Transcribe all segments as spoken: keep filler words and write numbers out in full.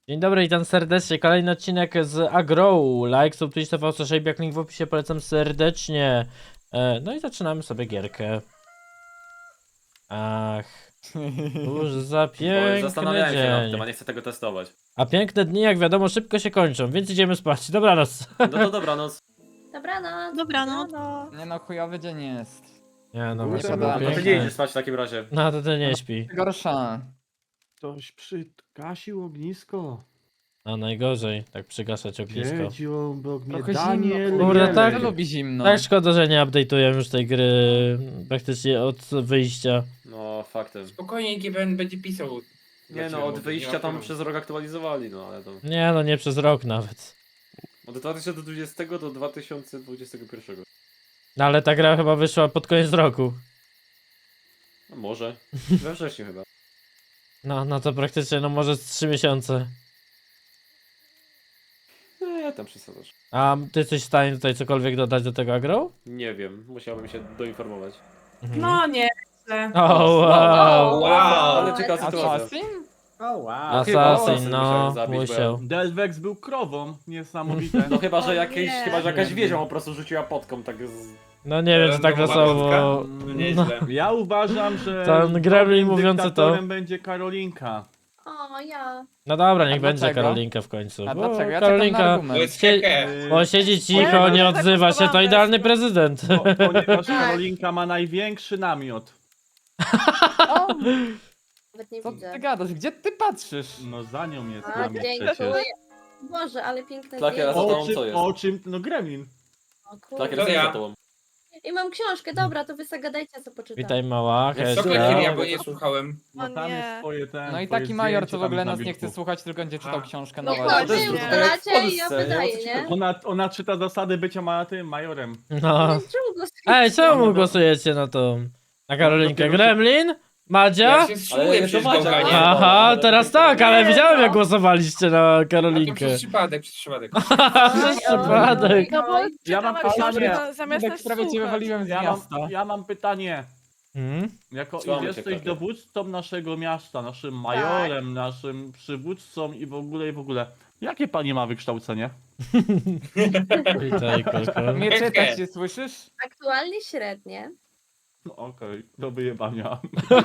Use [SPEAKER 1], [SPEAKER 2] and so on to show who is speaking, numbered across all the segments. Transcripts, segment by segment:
[SPEAKER 1] Dzień dobry, witam serdecznie. Kolejny odcinek z Agrow. Like, sub, twitch, T V, jak link w opisie, polecam serdecznie. E, no i zaczynamy sobie gierkę. Ach, cóż za
[SPEAKER 2] Bo
[SPEAKER 1] piękny
[SPEAKER 2] zastanawiałem się nad tym, a
[SPEAKER 1] dzień.
[SPEAKER 2] nie chcę tego testować.
[SPEAKER 1] A piękne dni, jak wiadomo, szybko się kończą, więc idziemy spać. Dobranoc.
[SPEAKER 2] No to dobranoc.
[SPEAKER 3] Dobranoc.
[SPEAKER 4] Dobranoc.
[SPEAKER 5] Nie no, chujowy dzień jest.
[SPEAKER 1] Nie no,
[SPEAKER 5] Nie
[SPEAKER 1] właśnie
[SPEAKER 5] podoba.
[SPEAKER 1] było
[SPEAKER 2] No to nie
[SPEAKER 1] piękne.
[SPEAKER 2] idziesz spać w takim razie.
[SPEAKER 1] No to ty nie śpi.
[SPEAKER 5] Gorsza.
[SPEAKER 6] Ktoś przygasił ognisko.
[SPEAKER 1] No najgorzej, tak przygaszać ognisko.
[SPEAKER 6] Wiedział, bo mnie
[SPEAKER 5] Trochę
[SPEAKER 6] Daniel
[SPEAKER 5] zimno.
[SPEAKER 1] Kurde,
[SPEAKER 6] Jeleń.
[SPEAKER 1] tak?
[SPEAKER 5] Kto lubi zimno?
[SPEAKER 1] Tak szkoda, że nie update'uję już tej gry praktycznie od wyjścia.
[SPEAKER 2] No faktem.
[SPEAKER 7] Spokojnie G B N będzie pisał.
[SPEAKER 2] Nie no, od wyjścia tam przez rok aktualizowali, no ale to...
[SPEAKER 1] Nie no, nie przez rok nawet.
[SPEAKER 2] Od dwa tysiące dwudziestego do dwa tysiące dwudziestego pierwszego.
[SPEAKER 1] No ale ta gra chyba wyszła pod koniec roku.
[SPEAKER 2] No może. We wrześniu chyba.
[SPEAKER 1] No, no to praktycznie, no może z trzy miesiące.
[SPEAKER 2] Nie, tam przesadzasz.
[SPEAKER 1] A ty jesteś w stanie tutaj cokolwiek dodać do tego agro?
[SPEAKER 2] Nie wiem, musiałbym się doinformować.
[SPEAKER 1] Mhm.
[SPEAKER 4] No nie, źle.
[SPEAKER 1] O, wow!
[SPEAKER 3] Wow.
[SPEAKER 2] Ale ciekawa sytuacja.
[SPEAKER 5] Assassin?
[SPEAKER 6] O wow.
[SPEAKER 1] Assassin, no,
[SPEAKER 2] musiałem zabić, bo
[SPEAKER 1] musiał.
[SPEAKER 6] Delvex był krową, niesamowite.
[SPEAKER 2] No chyba, że
[SPEAKER 4] O
[SPEAKER 2] jakieś,
[SPEAKER 4] nie.
[SPEAKER 2] chyba, że jakaś wiedzią po prostu rzuciła potką, tak z...
[SPEAKER 1] No nie wiem, czy tak
[SPEAKER 7] Randomowa
[SPEAKER 1] losowo...
[SPEAKER 7] No
[SPEAKER 1] No,
[SPEAKER 7] nieźle.
[SPEAKER 6] Ja uważam, że
[SPEAKER 1] Ten gremlin
[SPEAKER 6] nowym
[SPEAKER 1] mówiący to.
[SPEAKER 6] dyktatorem będzie Karolinka.
[SPEAKER 3] O, ja.
[SPEAKER 1] no dobra, niech
[SPEAKER 5] A
[SPEAKER 1] będzie
[SPEAKER 5] dlaczego?
[SPEAKER 1] Karolinka w końcu.
[SPEAKER 5] A
[SPEAKER 1] bo
[SPEAKER 5] dlaczego? Ja czekam na
[SPEAKER 1] Karolinka...
[SPEAKER 7] To
[SPEAKER 5] argument.
[SPEAKER 7] jest
[SPEAKER 1] Sie-
[SPEAKER 7] hehe.
[SPEAKER 6] Yy,
[SPEAKER 1] Bo siedzi cicho,
[SPEAKER 4] Nie,
[SPEAKER 1] nie
[SPEAKER 4] no,
[SPEAKER 1] odzywa się, to
[SPEAKER 4] tak
[SPEAKER 1] idealny
[SPEAKER 4] głosowałam
[SPEAKER 1] prezydent.
[SPEAKER 6] po, ponieważ Karolinka ma największy namiot.
[SPEAKER 5] O,
[SPEAKER 3] Nawet nie
[SPEAKER 5] co
[SPEAKER 3] widzę.
[SPEAKER 5] ty gadasz? Gdzie ty patrzysz?
[SPEAKER 6] No za nią jest
[SPEAKER 3] A,
[SPEAKER 6] namiot przecież.
[SPEAKER 3] dziękuję. Boże, ale piękne
[SPEAKER 2] Klakier, a
[SPEAKER 3] zdjęcie.
[SPEAKER 2] za
[SPEAKER 6] O
[SPEAKER 2] tobą
[SPEAKER 6] czym,
[SPEAKER 2] co jest?
[SPEAKER 6] o czym, no gremlin.
[SPEAKER 3] O,
[SPEAKER 2] Tak,
[SPEAKER 3] kurde.
[SPEAKER 7] To
[SPEAKER 2] jest
[SPEAKER 7] ja.
[SPEAKER 2] za tobą.
[SPEAKER 3] I mam książkę, dobra, to wy zagadajcie, co poczytam.
[SPEAKER 1] Witaj mała,
[SPEAKER 2] Jak
[SPEAKER 7] Co
[SPEAKER 2] Hejka.
[SPEAKER 7] Klakier, ja
[SPEAKER 2] No,
[SPEAKER 7] bo
[SPEAKER 2] to-
[SPEAKER 7] nie słuchałem.
[SPEAKER 6] No
[SPEAKER 4] O
[SPEAKER 6] tam
[SPEAKER 4] nie.
[SPEAKER 6] jest twoje ten.
[SPEAKER 5] No i
[SPEAKER 6] twoje
[SPEAKER 5] taki major,
[SPEAKER 6] zdjęcie
[SPEAKER 5] co w
[SPEAKER 6] tam
[SPEAKER 5] ogóle
[SPEAKER 6] na
[SPEAKER 5] nas nie
[SPEAKER 6] biurku.
[SPEAKER 5] chce słuchać, tylko będzie czytał
[SPEAKER 7] A.
[SPEAKER 5] książkę
[SPEAKER 3] Nie
[SPEAKER 5] na
[SPEAKER 3] chodź,
[SPEAKER 2] to jest
[SPEAKER 3] wy
[SPEAKER 2] tak jak w
[SPEAKER 3] ustalacie i ja
[SPEAKER 2] Polsce,
[SPEAKER 3] wydaję,
[SPEAKER 2] nie?
[SPEAKER 3] nie?
[SPEAKER 6] Ona, ona czyta zasady bycia ma, tym majorem.
[SPEAKER 1] No.
[SPEAKER 3] Czemu głosujecie?
[SPEAKER 1] Ej, czemu głosujecie na tą... Na Karolinkę?
[SPEAKER 6] dopiero-
[SPEAKER 1] Gremlin? Madzia?
[SPEAKER 7] Ja się wstrzymuję
[SPEAKER 2] Ale
[SPEAKER 7] przecież
[SPEAKER 2] to Madzia,
[SPEAKER 7] gałganie.
[SPEAKER 2] a.
[SPEAKER 1] Aha,
[SPEAKER 2] ale
[SPEAKER 1] teraz
[SPEAKER 2] to-
[SPEAKER 1] tak, ale
[SPEAKER 3] Nie,
[SPEAKER 1] widziałem
[SPEAKER 3] no.
[SPEAKER 1] jak głosowaliście na
[SPEAKER 7] A to
[SPEAKER 1] Karolinkę.
[SPEAKER 7] przez przypadek, przez przypadek.
[SPEAKER 1] Przez przypadek.
[SPEAKER 4] No bo
[SPEAKER 6] Ja mam
[SPEAKER 4] czytała książkę
[SPEAKER 6] pytanie.
[SPEAKER 4] na- zamiast
[SPEAKER 5] Tak
[SPEAKER 4] nas
[SPEAKER 5] prawie cię
[SPEAKER 4] słuchać.
[SPEAKER 5] wywaliłem z
[SPEAKER 6] Ja
[SPEAKER 5] miasta.
[SPEAKER 6] mam, ja mam pytanie.
[SPEAKER 1] Hmm?
[SPEAKER 6] Jako
[SPEAKER 2] Słuchamy cię,
[SPEAKER 6] jesteś
[SPEAKER 2] Klakier.
[SPEAKER 6] dowódcą naszego miasta, naszym majorem, naszym przywódcą i w ogóle i w ogóle. Jakie pani ma wykształcenie?
[SPEAKER 1] Witaj, Koko.
[SPEAKER 5] Mnie
[SPEAKER 7] Hehe.
[SPEAKER 5] czytać się słyszysz?
[SPEAKER 3] Aktualnie średnie.
[SPEAKER 6] No okej, do wyjebania.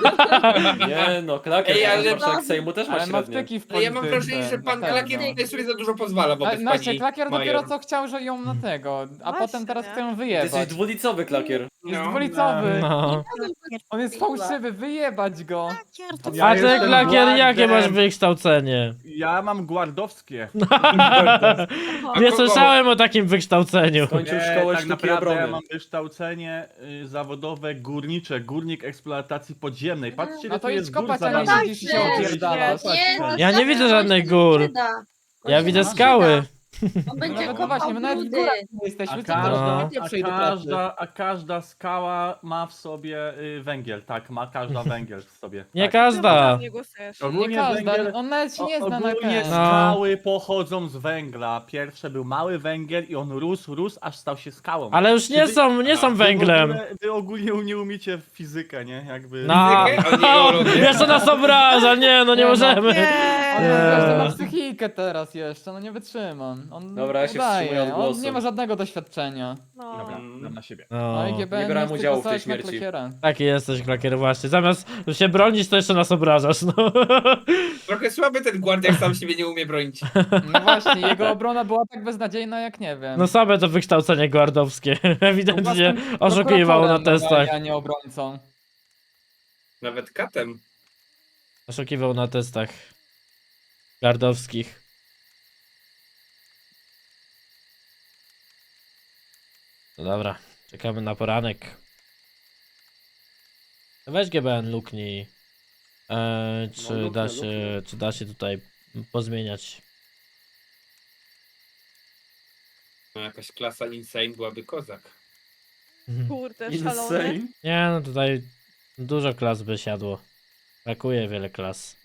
[SPEAKER 2] Nie no, Klakier,
[SPEAKER 7] Ej,
[SPEAKER 2] ale
[SPEAKER 7] ale-
[SPEAKER 2] marszałek Sejmu też ma
[SPEAKER 5] Ale ma
[SPEAKER 2] średnie.
[SPEAKER 5] wtyki w
[SPEAKER 7] Ale ja mam
[SPEAKER 5] polityce,
[SPEAKER 7] wrażenie, że pan
[SPEAKER 5] na pewno.
[SPEAKER 7] Klakier tutaj sobie za dużo pozwala
[SPEAKER 5] A,
[SPEAKER 7] wobec
[SPEAKER 5] Znaczy,
[SPEAKER 7] pani
[SPEAKER 5] Klakier dopiero
[SPEAKER 7] major.
[SPEAKER 5] co chciał, że ją na tego, a
[SPEAKER 4] Właśnie,
[SPEAKER 5] potem teraz
[SPEAKER 4] nie?
[SPEAKER 5] chce ją
[SPEAKER 2] Ty
[SPEAKER 5] wyjebać.
[SPEAKER 2] jesteś dwulicowy, Klakier.
[SPEAKER 5] Jest
[SPEAKER 7] No.
[SPEAKER 5] dwulicowy.
[SPEAKER 1] No.
[SPEAKER 5] On jest fałszywy, wyjebać go.
[SPEAKER 6] Ja
[SPEAKER 1] A ty,
[SPEAKER 6] jestem
[SPEAKER 1] Klakier, jakie masz
[SPEAKER 6] guardem.
[SPEAKER 1] wykształcenie?
[SPEAKER 6] Ja mam guardowskie.
[SPEAKER 1] Nie
[SPEAKER 7] kogo?
[SPEAKER 1] słyszałem o takim wykształceniu.
[SPEAKER 2] Skończył
[SPEAKER 6] Nie,
[SPEAKER 2] szkołę
[SPEAKER 6] tak
[SPEAKER 2] sztuki
[SPEAKER 6] naprawdę
[SPEAKER 2] obrony.
[SPEAKER 6] ja mam wykształcenie y, zawodowe górnicze, górnik eksploatacji podziemnej. Patrzcie,
[SPEAKER 5] No
[SPEAKER 6] ile
[SPEAKER 5] to
[SPEAKER 6] tu
[SPEAKER 5] idź
[SPEAKER 6] jest gór
[SPEAKER 5] kopać, a nie
[SPEAKER 6] zalanych.
[SPEAKER 5] siedzisz i się opierdalasz.
[SPEAKER 3] Nie, no
[SPEAKER 1] Ja nie
[SPEAKER 3] tak,
[SPEAKER 1] widzę
[SPEAKER 3] on
[SPEAKER 1] żadnych
[SPEAKER 3] się
[SPEAKER 1] gór.
[SPEAKER 3] nie przyda. On
[SPEAKER 1] Ja
[SPEAKER 3] się
[SPEAKER 1] widzę
[SPEAKER 3] nie
[SPEAKER 1] skały.
[SPEAKER 3] przyda. On będzie
[SPEAKER 5] No, no
[SPEAKER 3] kopał
[SPEAKER 5] właśnie, my nawet w
[SPEAKER 3] brudy.
[SPEAKER 5] górach nie jesteśmy,
[SPEAKER 6] A
[SPEAKER 5] co
[SPEAKER 6] każda,
[SPEAKER 1] No.
[SPEAKER 5] to
[SPEAKER 6] a,
[SPEAKER 5] przejdę pracy.
[SPEAKER 6] każda, a każda skała ma w sobie y, węgiel, tak, ma każda węgiel w sobie.
[SPEAKER 1] Nie
[SPEAKER 6] tak.
[SPEAKER 1] każda.
[SPEAKER 4] Nie głosujesz.
[SPEAKER 5] Nie
[SPEAKER 6] Ogólnie
[SPEAKER 5] każda,
[SPEAKER 6] węgiel,
[SPEAKER 5] on nawet się nie
[SPEAKER 6] o-
[SPEAKER 5] zna na
[SPEAKER 6] ogólnie
[SPEAKER 5] ten.
[SPEAKER 1] No.
[SPEAKER 6] skały pochodzą z węgla. Pierwsze był mały węgiel i on rósł, rósł, aż stał się skałą.
[SPEAKER 1] Ale już nie są, nie są
[SPEAKER 6] Wy w
[SPEAKER 1] węglem.
[SPEAKER 6] ogóle- Wy ogólnie nie umiecie w fizykę, nie? Jakby...
[SPEAKER 1] No.
[SPEAKER 7] Fizykę, a nie geologię.
[SPEAKER 1] Jeszcze nas obraża, nie, no nie
[SPEAKER 5] Nie, no.
[SPEAKER 1] możemy.
[SPEAKER 5] On
[SPEAKER 4] Nie.
[SPEAKER 5] jeszcze ma psychikę teraz jeszcze, no nie wytrzymam. On
[SPEAKER 2] Dobra, ja się wstrzymuję od
[SPEAKER 5] udaje, on
[SPEAKER 2] głosu.
[SPEAKER 5] nie ma żadnego doświadczenia.
[SPEAKER 4] No.
[SPEAKER 6] Dobra, dam na siebie.
[SPEAKER 5] No i
[SPEAKER 1] No.
[SPEAKER 5] G B N
[SPEAKER 2] Nie brałem
[SPEAKER 5] chce
[SPEAKER 2] udziału w tej
[SPEAKER 5] głosować na
[SPEAKER 2] śmierci.
[SPEAKER 5] Klakiera.
[SPEAKER 1] Taki jesteś, Klakier, właśnie. Zamiast się bronić, to jeszcze nas obrażasz, no.
[SPEAKER 7] Trochę słaby ten guard, jak sam siebie nie umie bronić.
[SPEAKER 5] No właśnie, jego obrona była tak beznadziejna jak nie wiem.
[SPEAKER 1] No same to wykształcenie guardowskie. Ewidentnie oszukiwał na
[SPEAKER 5] Prokuratorem
[SPEAKER 1] testach.
[SPEAKER 5] normalnie, a nie obrońcą.
[SPEAKER 7] Nawet katem.
[SPEAKER 1] Oszukiwał na testach guardowskich. No dobra, czekamy na poranek. Weź G B N, luknij. Eee, czy,
[SPEAKER 6] No, luknę,
[SPEAKER 1] da się,
[SPEAKER 6] luknę.
[SPEAKER 1] czy da się tutaj pozmieniać?
[SPEAKER 7] No jakaś klasa insane byłaby kozak.
[SPEAKER 4] Kurde, szalony.
[SPEAKER 6] Insane.
[SPEAKER 1] Nie, no tutaj dużo klas by siadło. Brakuje wiele klas.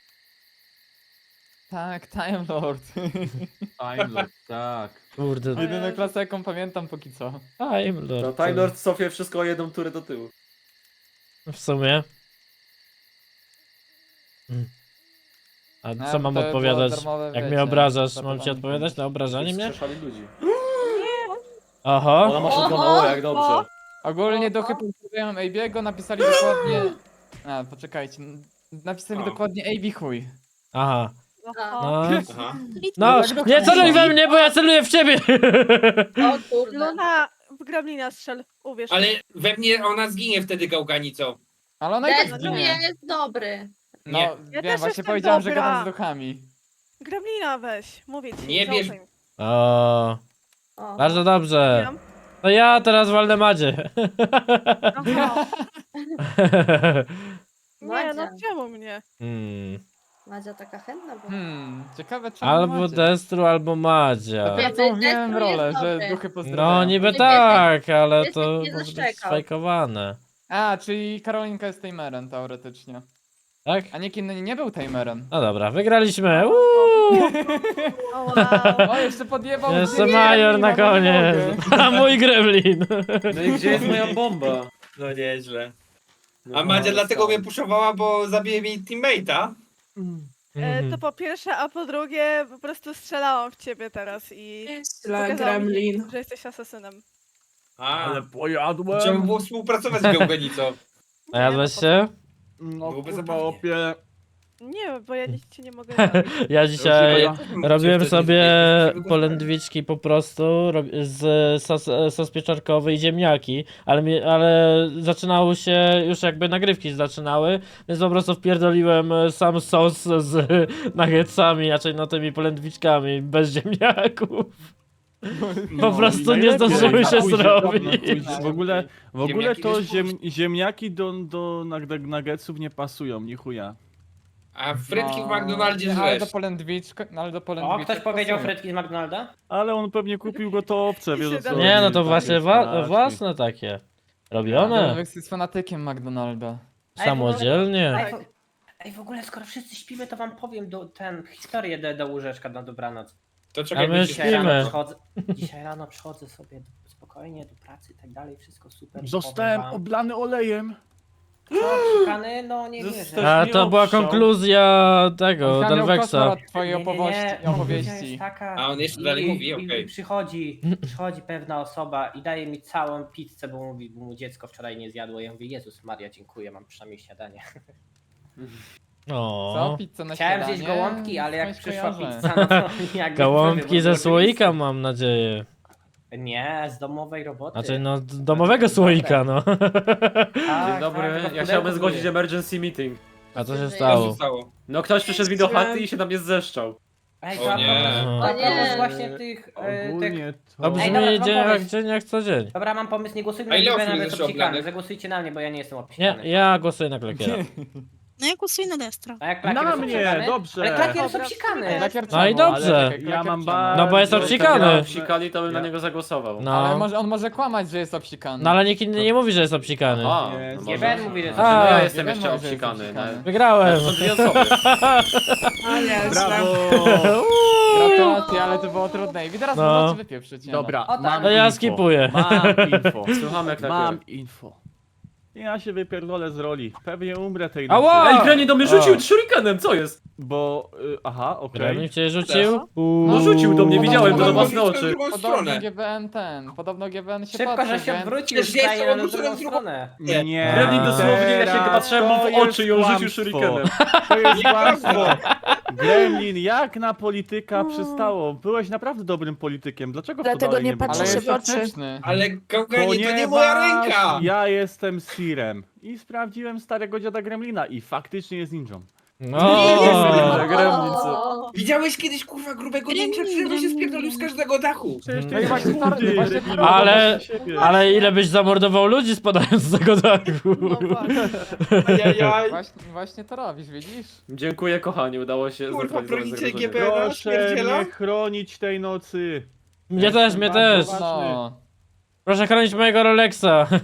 [SPEAKER 5] Tak, Time Lord.
[SPEAKER 6] Time Lord, tak.
[SPEAKER 1] Kurde,
[SPEAKER 4] O
[SPEAKER 5] Jedyna
[SPEAKER 4] Jezu.
[SPEAKER 5] klasa jaką pamiętam póki co.
[SPEAKER 1] Time Lord.
[SPEAKER 2] No, Time Lord cofie wszystko o jedną turę do tyłu.
[SPEAKER 1] W sumie. A
[SPEAKER 5] No,
[SPEAKER 1] co
[SPEAKER 5] bo
[SPEAKER 1] mam
[SPEAKER 5] to było
[SPEAKER 1] odpowiadać?
[SPEAKER 5] darmowe,
[SPEAKER 1] Jak
[SPEAKER 5] wiecie,
[SPEAKER 1] mnie obrażasz, mam
[SPEAKER 5] zapytanie
[SPEAKER 1] ci odpowiadać na obrażanie mnie?
[SPEAKER 2] Strzeszali ludzi.
[SPEAKER 1] Oho.
[SPEAKER 2] Ona ma shotguna, o jak dobrze.
[SPEAKER 5] Ogólnie duchy pozdrawiają A B'ego, napisali dokładnie... A, poczekajcie. n- Napisali
[SPEAKER 7] O.
[SPEAKER 5] dokładnie A B chuj.
[SPEAKER 1] Aha.
[SPEAKER 3] A.
[SPEAKER 1] No.
[SPEAKER 7] Aha.
[SPEAKER 1] No,
[SPEAKER 5] tak do
[SPEAKER 1] nie celuj
[SPEAKER 5] końca.
[SPEAKER 1] we mnie, bo ja celuję w ciebie!
[SPEAKER 3] O kurde.
[SPEAKER 4] Luna, w Gremlina strzel, uwierz.
[SPEAKER 7] Ale we mnie ona zginie wtedy gałganicą.
[SPEAKER 5] Ale ona i tak
[SPEAKER 3] Destru
[SPEAKER 5] zginie.
[SPEAKER 3] jest dobry.
[SPEAKER 5] No,
[SPEAKER 7] Nie.
[SPEAKER 4] Ja
[SPEAKER 5] wiem,
[SPEAKER 4] też
[SPEAKER 5] właśnie
[SPEAKER 4] jestem
[SPEAKER 5] powiedziałem, że
[SPEAKER 4] dobra.
[SPEAKER 5] gadam z duchami.
[SPEAKER 4] Gremlina weź, mówię ci.
[SPEAKER 7] Nie bierz-
[SPEAKER 4] zaufaj mi.
[SPEAKER 1] O,
[SPEAKER 3] O.
[SPEAKER 1] bardzo dobrze.
[SPEAKER 4] Wiem.
[SPEAKER 1] To ja teraz walnę Madzie.
[SPEAKER 4] Aha. Nie,
[SPEAKER 3] Madzia.
[SPEAKER 4] no czemu mnie?
[SPEAKER 1] Hmm.
[SPEAKER 3] Madzia taka chętna była.
[SPEAKER 5] Hmm, ciekawe czemu
[SPEAKER 1] Albo
[SPEAKER 5] macie.
[SPEAKER 1] Destru, albo Madzia.
[SPEAKER 5] Dopiero co
[SPEAKER 3] Destru
[SPEAKER 5] mówiłem
[SPEAKER 3] jest
[SPEAKER 5] rolę,
[SPEAKER 3] dobry.
[SPEAKER 5] że duchy pozdrawiają.
[SPEAKER 1] No niby
[SPEAKER 3] Ty
[SPEAKER 1] tak, ale
[SPEAKER 3] ty
[SPEAKER 1] to
[SPEAKER 3] nie
[SPEAKER 1] może być
[SPEAKER 3] zaszczekał.
[SPEAKER 1] sfajkowane.
[SPEAKER 5] A, czyli Karolinka jest tamerem teoretycznie.
[SPEAKER 1] Tak?
[SPEAKER 5] A nikt inny nie był tamerem.
[SPEAKER 1] No dobra, wygraliśmy. Uuu,
[SPEAKER 4] O wow.
[SPEAKER 5] O, jeszcze podjebał
[SPEAKER 1] jeszcze
[SPEAKER 5] mnie,
[SPEAKER 1] major
[SPEAKER 5] nie
[SPEAKER 1] na
[SPEAKER 5] mogę, nie
[SPEAKER 1] koniec.
[SPEAKER 5] mogę.
[SPEAKER 1] A mój gremlin.
[SPEAKER 2] No i gdzie jest moja bomba?
[SPEAKER 7] No nieźle.
[SPEAKER 2] No,
[SPEAKER 7] A Madzia
[SPEAKER 2] no,
[SPEAKER 7] dlatego
[SPEAKER 2] stał.
[SPEAKER 7] mnie puszowała, bo zabije mi teammate'a.
[SPEAKER 4] E,
[SPEAKER 1] Mhm.
[SPEAKER 4] to po pierwsze, a po drugie po prostu strzelałam w ciebie teraz i
[SPEAKER 8] Dla
[SPEAKER 4] pokazałam,
[SPEAKER 8] Gremlin.
[SPEAKER 4] że jesteś asesynem.
[SPEAKER 7] A,
[SPEAKER 6] Ale pojadłem.
[SPEAKER 7] trzeba było współpracować z gałganicą.
[SPEAKER 1] A jadłeś się?
[SPEAKER 6] No
[SPEAKER 7] Byłoby
[SPEAKER 6] kurwa,
[SPEAKER 7] zabawnie.
[SPEAKER 6] opie.
[SPEAKER 4] Nie, bo ja nic ci nie mogę zrobić.
[SPEAKER 1] Ja dzisiaj
[SPEAKER 6] Ja-
[SPEAKER 1] robiłem
[SPEAKER 7] Wtedy
[SPEAKER 1] sobie
[SPEAKER 7] nie- nie- nie-
[SPEAKER 1] polędwiczki po prostu rob- z sos, sos pieczarkowy i ziemniaki, ale, mi, ale zaczynało się, już jakby nagrywki zaczynały, więc po prostu wpierdoliłem sam sos z nuggetsami, raczej no tymi polędwiczkami bez ziemniaków. Po prostu
[SPEAKER 6] i
[SPEAKER 1] nie
[SPEAKER 6] najlepiej.
[SPEAKER 1] zdążyły się
[SPEAKER 6] Na chuj,
[SPEAKER 1] zrobić.
[SPEAKER 6] na chuj. W ogóle, w ogóle
[SPEAKER 7] Ziemniaki
[SPEAKER 6] to
[SPEAKER 7] wiesz,
[SPEAKER 6] ziem, ziemniaki do, do nug- nuggetsów nie pasują, ni chuja.
[SPEAKER 7] A frytki w
[SPEAKER 5] No,
[SPEAKER 7] McDonaldzie
[SPEAKER 5] Ale do
[SPEAKER 7] żresz.
[SPEAKER 5] polędwiczka, no ale do
[SPEAKER 9] O,
[SPEAKER 5] polędwiczka.
[SPEAKER 9] ktoś powiedział frytki z McDonalda?
[SPEAKER 6] Ale on pewnie kupił gotowce, wiesz o co
[SPEAKER 4] Nie,
[SPEAKER 1] Nie, no
[SPEAKER 6] chodzi,
[SPEAKER 1] to
[SPEAKER 6] takie
[SPEAKER 1] właśnie wa
[SPEAKER 6] spraczki.
[SPEAKER 1] własne takie. Robione.
[SPEAKER 5] Wex jest fanatykiem McDonalda.
[SPEAKER 1] Samodzielnie.
[SPEAKER 9] Ej, w, ej, w ogóle skoro wszyscy śpimy, to wam powiem do, ten, historię do, do łóżeczka na dobranoc.
[SPEAKER 7] To
[SPEAKER 1] A
[SPEAKER 7] czekaj,
[SPEAKER 1] my
[SPEAKER 7] my
[SPEAKER 9] Dzisiaj rano,
[SPEAKER 1] śpimy.
[SPEAKER 9] przychodzę, dzisiaj rano przychodzę sobie do, spokojnie do pracy i tak dalej, wszystko super. i
[SPEAKER 6] Zostałem
[SPEAKER 9] powiem wam-
[SPEAKER 6] oblany olejem.
[SPEAKER 9] Co, szukany? No nie
[SPEAKER 2] Został-
[SPEAKER 9] wierzę.
[SPEAKER 1] A
[SPEAKER 6] nie
[SPEAKER 1] to była
[SPEAKER 6] obszał.
[SPEAKER 1] konkluzja tego,
[SPEAKER 5] On miał
[SPEAKER 1] Delvexa.
[SPEAKER 5] koszmar od twojej
[SPEAKER 9] Nie, nie,
[SPEAKER 5] opowieści.
[SPEAKER 9] nie, konkluzja
[SPEAKER 5] opowieści.
[SPEAKER 9] jest taka,
[SPEAKER 7] A on jeszcze
[SPEAKER 9] i-
[SPEAKER 7] dalej
[SPEAKER 9] i-
[SPEAKER 7] mówi,
[SPEAKER 9] i-
[SPEAKER 7] okej.
[SPEAKER 9] i Przychodzi, przychodzi pewna osoba i daje mi całą pizzę, bo mówi, bo mu dziecko wczoraj nie zjadło. Ja mówię, Jezus Maria, dziękuję, mam przynajmniej śniadanie.
[SPEAKER 1] O.
[SPEAKER 5] Co? Pizzę na
[SPEAKER 9] Chciałem
[SPEAKER 5] śniadanie?
[SPEAKER 9] zjeść gołąbki, ale jak
[SPEAKER 5] Skądś
[SPEAKER 9] przyszła
[SPEAKER 5] kojarzę.
[SPEAKER 9] pizza, no to jakby
[SPEAKER 1] Gołąbki ze
[SPEAKER 9] zrobił-
[SPEAKER 1] słoika mam nadzieję.
[SPEAKER 9] Nie, z domowej roboty.
[SPEAKER 1] Znaczy no d- domowego słoika no.
[SPEAKER 9] Tak,
[SPEAKER 2] Dzień dobry,
[SPEAKER 9] tak, to
[SPEAKER 2] ja
[SPEAKER 9] pudełko
[SPEAKER 2] chciałbym zgłosić
[SPEAKER 9] były.
[SPEAKER 2] emergency meeting.
[SPEAKER 1] A co się
[SPEAKER 7] Co
[SPEAKER 1] stało?
[SPEAKER 7] zostało?
[SPEAKER 2] No ktoś przyszedł mi do chaty i się na mnie zeszczał.
[SPEAKER 9] Ej,
[SPEAKER 7] O
[SPEAKER 9] to a
[SPEAKER 7] nie.
[SPEAKER 9] propos-
[SPEAKER 1] O
[SPEAKER 9] a propos
[SPEAKER 3] nie.
[SPEAKER 9] właśnie tych, e, tych...
[SPEAKER 6] Ogólnie to...
[SPEAKER 1] To
[SPEAKER 9] Ej,
[SPEAKER 1] brzmi
[SPEAKER 9] dobra, mam
[SPEAKER 1] dzień jak
[SPEAKER 9] pomysł.
[SPEAKER 1] dzień jak co dzień.
[SPEAKER 9] Dobra, mam pomysł, nie głosujmy
[SPEAKER 7] A ile
[SPEAKER 9] na
[SPEAKER 7] osób
[SPEAKER 9] Gibena
[SPEAKER 7] jest
[SPEAKER 9] bez
[SPEAKER 7] jeszcze
[SPEAKER 9] obsikany.
[SPEAKER 7] oblanych?
[SPEAKER 9] Zagłosujcie na mnie, bo ja nie jestem
[SPEAKER 1] Nie,
[SPEAKER 9] obsikany.
[SPEAKER 1] ja głosuję na klakiera.
[SPEAKER 8] No ja głosuję na Destra.
[SPEAKER 9] A jak Klakier
[SPEAKER 6] Na
[SPEAKER 9] jest
[SPEAKER 6] mnie,
[SPEAKER 9] obsikany?
[SPEAKER 6] dobrze.
[SPEAKER 9] Ale Klakier jest
[SPEAKER 4] Dobra,
[SPEAKER 9] obsikany.
[SPEAKER 5] Lakier
[SPEAKER 1] No i
[SPEAKER 5] czemu?
[SPEAKER 1] dobrze.
[SPEAKER 5] Ale-
[SPEAKER 6] Ja mam
[SPEAKER 5] Lakier
[SPEAKER 6] bardzo...
[SPEAKER 1] No bo jest obsikany.
[SPEAKER 2] Jak obsikali, to bym na
[SPEAKER 6] Ja-
[SPEAKER 2] niego zagłosował.
[SPEAKER 1] No.
[SPEAKER 5] Ale może, on może kłamać, że jest obsikany.
[SPEAKER 1] No ale nikt inny nie mówi, że jest obsikany.
[SPEAKER 2] Aha,
[SPEAKER 6] Nie,
[SPEAKER 2] no
[SPEAKER 6] nie
[SPEAKER 2] może.
[SPEAKER 9] Gieben mówi, że jest
[SPEAKER 1] A,
[SPEAKER 2] No ja
[SPEAKER 9] obsikany.
[SPEAKER 2] jestem
[SPEAKER 5] Gieben
[SPEAKER 2] jeszcze
[SPEAKER 5] mówi, że jest
[SPEAKER 2] obsikany.
[SPEAKER 5] obsikany.
[SPEAKER 2] no.
[SPEAKER 1] Wygrałem.
[SPEAKER 2] Są dwie osoby.
[SPEAKER 8] A nie,
[SPEAKER 6] Brawo!
[SPEAKER 5] Gratulacje, ale to było trudne. I teraz
[SPEAKER 1] No.
[SPEAKER 5] możecie wypieprzyć. nie no.
[SPEAKER 6] Dobra,
[SPEAKER 9] O tak.
[SPEAKER 6] mam
[SPEAKER 1] To ja
[SPEAKER 6] info.
[SPEAKER 1] skipuję.
[SPEAKER 6] Mam info.
[SPEAKER 2] Słuchamy jak
[SPEAKER 6] Mam
[SPEAKER 2] tak.
[SPEAKER 6] info. Ja się wypierdolę z roli. Pewnie umrę tej nocy.
[SPEAKER 1] Ała!
[SPEAKER 2] Ej, Gremlin do mnie rzucił
[SPEAKER 1] A.
[SPEAKER 2] shurikenem, co jest?
[SPEAKER 6] Bo... Y, aha, okej.
[SPEAKER 1] Gremlin cię rzucił?
[SPEAKER 2] No rzucił do mnie, widziałem to na
[SPEAKER 7] Mogę
[SPEAKER 2] własne
[SPEAKER 7] mówić w
[SPEAKER 2] oczy.
[SPEAKER 7] drugą
[SPEAKER 5] Podobno
[SPEAKER 7] stronę.
[SPEAKER 5] G B N ten, podobno G B N się
[SPEAKER 9] Szybko,
[SPEAKER 5] patrzy,
[SPEAKER 9] że się
[SPEAKER 5] więc-
[SPEAKER 9] odwrócił,
[SPEAKER 7] Przecież
[SPEAKER 9] staje
[SPEAKER 7] jestem
[SPEAKER 9] na
[SPEAKER 7] obrócony
[SPEAKER 9] drugą
[SPEAKER 7] w drugą-
[SPEAKER 9] stronę.
[SPEAKER 6] Nie.
[SPEAKER 2] Gremlin dosłownie, ja się
[SPEAKER 6] Teraz
[SPEAKER 2] patrzyłem mu w
[SPEAKER 6] to
[SPEAKER 2] oczy i on
[SPEAKER 6] jest
[SPEAKER 2] rzucił
[SPEAKER 6] kłamstwo.
[SPEAKER 2] shurikenem.
[SPEAKER 6] To jest kłamstwo. Gremlin, jak na polityka przystało? Byłeś naprawdę dobrym politykiem. Dlaczego w to
[SPEAKER 8] Dlatego
[SPEAKER 6] dalej
[SPEAKER 8] nie
[SPEAKER 6] nie
[SPEAKER 8] patrzę
[SPEAKER 5] Ale
[SPEAKER 6] brałeś?
[SPEAKER 8] się
[SPEAKER 5] jest
[SPEAKER 8] w oczy.
[SPEAKER 5] toksyczny.
[SPEAKER 7] Ale gałganie to nie
[SPEAKER 6] Ponieważ
[SPEAKER 7] moja ręka!
[SPEAKER 6] ja jestem Sirem i sprawdziłem starego dziada Gremlina i faktycznie jest ninją.
[SPEAKER 1] No.
[SPEAKER 2] Gremlin, co?
[SPEAKER 3] O,
[SPEAKER 7] Widziałeś kiedyś kurwa grubego ninja, który się spierdolił z każdego dachu?
[SPEAKER 6] Przecież
[SPEAKER 1] No
[SPEAKER 6] ty
[SPEAKER 1] i
[SPEAKER 6] jesteś
[SPEAKER 5] właśnie to-
[SPEAKER 6] chudy,
[SPEAKER 5] właśnie to
[SPEAKER 6] debilu,
[SPEAKER 1] robię. Ale-
[SPEAKER 6] do siebie.
[SPEAKER 1] Ale ile byś zamordował ludzi spadając z tego dachu?
[SPEAKER 4] No właśnie.
[SPEAKER 7] Ajajaj.
[SPEAKER 5] Właśnie, właśnie to robisz, widzisz?
[SPEAKER 2] Dziękuję kochani, udało się
[SPEAKER 7] Kurwa,
[SPEAKER 2] zlokalizować
[SPEAKER 7] bronicie
[SPEAKER 2] zagrożenie.
[SPEAKER 7] G B N?
[SPEAKER 6] Proszę
[SPEAKER 7] Śmierdziela?
[SPEAKER 6] mnie chronić tej nocy.
[SPEAKER 1] Mnie też, mnie też.
[SPEAKER 6] bardzo
[SPEAKER 5] No.
[SPEAKER 1] Proszę chronić mojego Rolexa.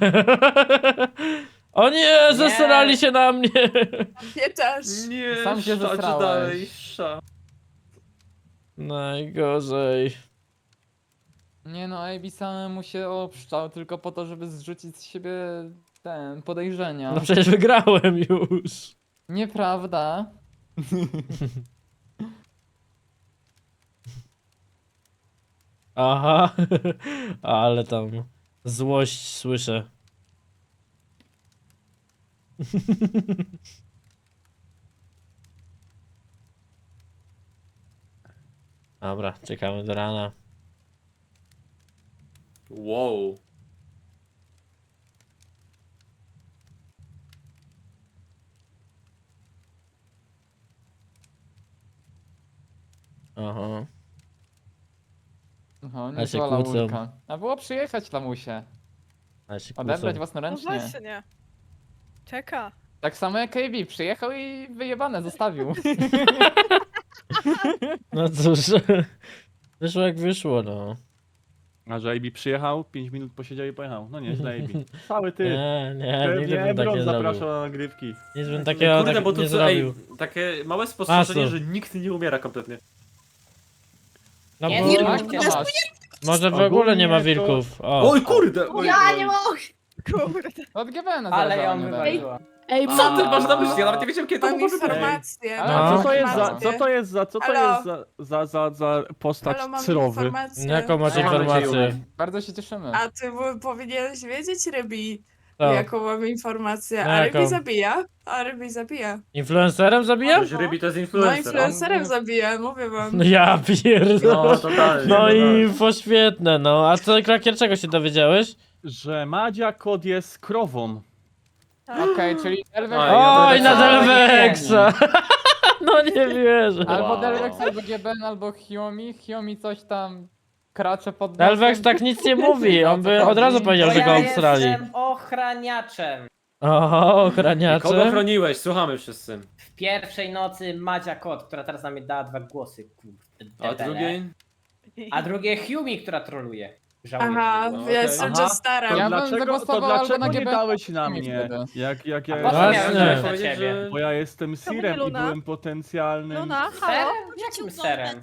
[SPEAKER 1] O nie, zesrali się na mnie.
[SPEAKER 8] Nie też.
[SPEAKER 2] Nie,
[SPEAKER 5] Sam się
[SPEAKER 2] sza, czy
[SPEAKER 5] zesrałeś.
[SPEAKER 2] dalej, sza.
[SPEAKER 1] Najgorzej.
[SPEAKER 5] Nie no, A B samemu się obszczał tylko po to, żeby zrzucić z siebie ten, podejrzenia.
[SPEAKER 1] No przecież wygrałem już.
[SPEAKER 5] Nieprawda.
[SPEAKER 1] Aha, ale tam złość słyszę. Dobra, czekamy do rana.
[SPEAKER 2] Wow.
[SPEAKER 1] Aha.
[SPEAKER 5] No,
[SPEAKER 1] Ale się
[SPEAKER 5] niezła
[SPEAKER 1] kłócą.
[SPEAKER 5] laurka. A było przyjechać lamusie.
[SPEAKER 1] Ale się
[SPEAKER 5] Odebrać
[SPEAKER 1] kłócą.
[SPEAKER 4] No
[SPEAKER 5] własnoręcznie.
[SPEAKER 4] właśnie. Czeka.
[SPEAKER 5] Tak samo jak A B, przyjechał i wyjebane zostawił.
[SPEAKER 1] No cóż, wyszło jak wyszło, no.
[SPEAKER 6] A że A B przyjechał, pięć minut posiedział i pojechał. No nieźle A B. Cały ty.
[SPEAKER 1] Nie, nie, nigdy
[SPEAKER 6] Pewnie
[SPEAKER 1] bym tak
[SPEAKER 6] Ebron
[SPEAKER 1] nie
[SPEAKER 6] zapraszał
[SPEAKER 1] zrobił.
[SPEAKER 6] na nagrywki.
[SPEAKER 1] Nic bym takiego
[SPEAKER 2] Kurde,
[SPEAKER 1] tak
[SPEAKER 2] bo tu
[SPEAKER 1] nie
[SPEAKER 2] co, ej,
[SPEAKER 1] zrobił.
[SPEAKER 2] takie małe spostrzeżenie,
[SPEAKER 1] Masu.
[SPEAKER 2] że nikt nie umiera kompletnie.
[SPEAKER 1] No
[SPEAKER 9] Nie,
[SPEAKER 1] bo
[SPEAKER 9] nie,
[SPEAKER 5] Tak,
[SPEAKER 9] nie,
[SPEAKER 5] to masz.
[SPEAKER 1] może w ogóle nie ma
[SPEAKER 6] Ogólnie to-
[SPEAKER 1] wilków. O,
[SPEAKER 2] Oj kurde! Oj,
[SPEAKER 3] Ja
[SPEAKER 2] oj.
[SPEAKER 3] nie mogę!
[SPEAKER 4] Kurde.
[SPEAKER 5] Od G B N
[SPEAKER 9] Ale ją
[SPEAKER 5] nie
[SPEAKER 9] wywaliła.
[SPEAKER 8] Ej,
[SPEAKER 2] Co
[SPEAKER 8] mam,
[SPEAKER 2] ty masz na myśli? Ja nawet nie wiedziałem kiedy to
[SPEAKER 8] mam
[SPEAKER 2] mogło wybrać.
[SPEAKER 8] informację.
[SPEAKER 5] Ale
[SPEAKER 1] No.
[SPEAKER 6] Co to jest za,
[SPEAKER 8] Informację.
[SPEAKER 6] co to jest za, co to
[SPEAKER 8] Halo?
[SPEAKER 6] jest za, za, za, za postać
[SPEAKER 8] Halo, mam
[SPEAKER 6] cyrowy?
[SPEAKER 8] informację.
[SPEAKER 1] jaką macie
[SPEAKER 2] Co mamy
[SPEAKER 1] informację?
[SPEAKER 2] dzieje?
[SPEAKER 5] Bardzo się cieszymy.
[SPEAKER 8] A ty w- powinieneś wiedzieć, Rybi,
[SPEAKER 1] Co?
[SPEAKER 8] jaką mamy informację.
[SPEAKER 1] No
[SPEAKER 8] A
[SPEAKER 1] jaką?
[SPEAKER 8] Rybi zabija. A Rybi zabija.
[SPEAKER 1] Influencerem zabija?
[SPEAKER 2] Ktoś Rybi to jest
[SPEAKER 8] No
[SPEAKER 2] influencer.
[SPEAKER 8] influencerem zabija, mówię wam.
[SPEAKER 1] No ja pierdolę.
[SPEAKER 2] No totalnie.
[SPEAKER 1] No i
[SPEAKER 2] totalnie.
[SPEAKER 1] info świetne, no. A co, Klakier, czego się dowiedziałeś?
[SPEAKER 6] Że Madzia Kod jest krową.
[SPEAKER 5] Okej, czyli Delvex...
[SPEAKER 2] Oj, ja
[SPEAKER 1] Oj, na
[SPEAKER 2] Delvexa.
[SPEAKER 1] Delvexa! No nie wierzę.
[SPEAKER 5] Albo
[SPEAKER 2] Wow.
[SPEAKER 5] Delvex, albo G B N, albo Hiomi. Hiomi coś tam kracze pod
[SPEAKER 1] Delvex
[SPEAKER 5] nosem.
[SPEAKER 1] tak nic nie mówi, on by od razu powiedział,
[SPEAKER 9] Bo
[SPEAKER 1] że go
[SPEAKER 9] ja
[SPEAKER 1] obstrali.
[SPEAKER 9] jestem ochraniaczem.
[SPEAKER 1] Oho,
[SPEAKER 2] Kogo
[SPEAKER 1] ochraniacze.
[SPEAKER 2] chroniłeś? Słuchamy wszyscy.
[SPEAKER 9] W pierwszej nocy Madzia Kot, która teraz na mnie dała dwa głosy. Kurde,
[SPEAKER 2] A
[SPEAKER 9] debele.
[SPEAKER 2] drugiej?
[SPEAKER 9] A drugie Humi, która troluje. Żałuję
[SPEAKER 8] Aha,
[SPEAKER 9] tego.
[SPEAKER 2] No,
[SPEAKER 8] ja
[SPEAKER 2] okej.
[SPEAKER 8] jestem
[SPEAKER 6] Aha.
[SPEAKER 8] Jestara.
[SPEAKER 6] To
[SPEAKER 5] Ja bym
[SPEAKER 6] dlaczego, to
[SPEAKER 5] zagłosował albo
[SPEAKER 6] dlaczego
[SPEAKER 5] na
[SPEAKER 6] nie
[SPEAKER 5] G B N,
[SPEAKER 6] dałeś na
[SPEAKER 5] albo
[SPEAKER 6] mnie?
[SPEAKER 5] wtedy.
[SPEAKER 6] Jak, jak
[SPEAKER 9] A
[SPEAKER 6] ja
[SPEAKER 9] po co
[SPEAKER 1] Właśnie.
[SPEAKER 9] miałem
[SPEAKER 2] Chciałem
[SPEAKER 9] dać na
[SPEAKER 2] powiedzieć,
[SPEAKER 9] ciebie?
[SPEAKER 2] że...
[SPEAKER 6] Bo ja jestem
[SPEAKER 4] To
[SPEAKER 6] Sirem i
[SPEAKER 4] Luna.
[SPEAKER 6] byłem potencjalnym...
[SPEAKER 4] Luna,
[SPEAKER 9] Serem?
[SPEAKER 4] halo?
[SPEAKER 9] Jakim serem?